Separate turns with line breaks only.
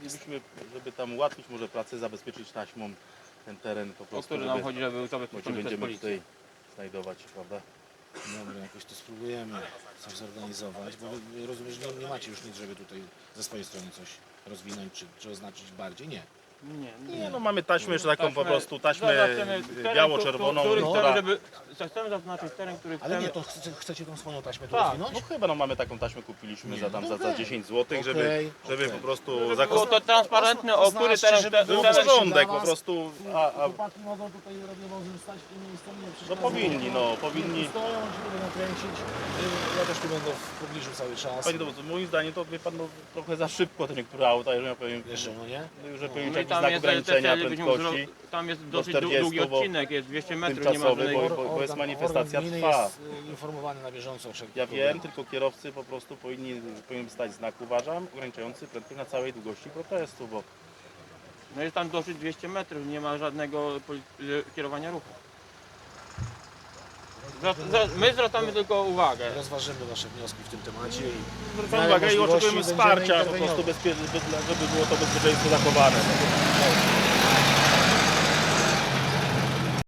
chcielibyśmy, żeby tam ułatwić może pracę, zabezpieczyć taśmą ten teren po
O
prostu,
który nam chodzi, żeby był
bo się
zabezpieczony przez
będziemy
policję.
tutaj znajdować, prawda?
Dobra, jakoś to spróbujemy coś zorganizować, bo wy rozumiem, że nie macie już nic, żeby tutaj ze swojej strony coś rozwinąć, czy oznaczyć bardziej? Nie.
Nie, no mamy taśmę jeszcze taką po prostu, taśmę
zaznaczymy teren,
biało-czerwoną,
który
która...
chcemy, żeby... Chcemy zaznaczyć teren, który
Ale
chcemy...
nie, to chcecie tą swoją taśmę tu
Tak,
rozwinąć?
No chyba no mamy taką taśmę, kupiliśmy
Nie,
za tam
no
za
okej.
10 zł, żeby
Okej.
po prostu
Było
zakosztować.
to transparentne, o który
Oznaczcie,
teren...
żeby było
Był
bezpiecznie
porządek
dla
po
was.
prostu, a
Chłopaki mogą tutaj radiowozem stać w tym miejscu, nie
no
przeszkadzają.
powinni, no powinni.
Stoją, oni się będą kręcić. Ja też tu będę w pobliżu cały czas.
Panie dowódco, moim zdaniem to wie pan no, trochę za szybko te niektóre auta, jeżeli ja powiem,
Jeszcze, no nie?
że powinien być
No i
jakiś
tam
znak
jest
ograniczenia
byśmy
prędkości
tam jest
do
dosyć
40,
długi
bo
odcinek, jest 200 metrów, nie ma
tymczasowy,
żadnej...
bo jest manifestacja
organ gminy
trwa.
jest informowany na bieżąco o wszelkich
Ja wiem,
problemach.
tylko kierowcy po prostu powinien stać znak, uważam, ograniczający prędkość na całej długości protestu, bo
No jest tam dosyć 200 metrów, nie ma żadnego kierowania ruchu. My zwracamy tylko uwagę.
Rozważymy wasze wnioski w tym temacie i
zwracam uwagę i oczekujemy wsparcia po prostu, żeby było to bezpieczeństwo zachowane.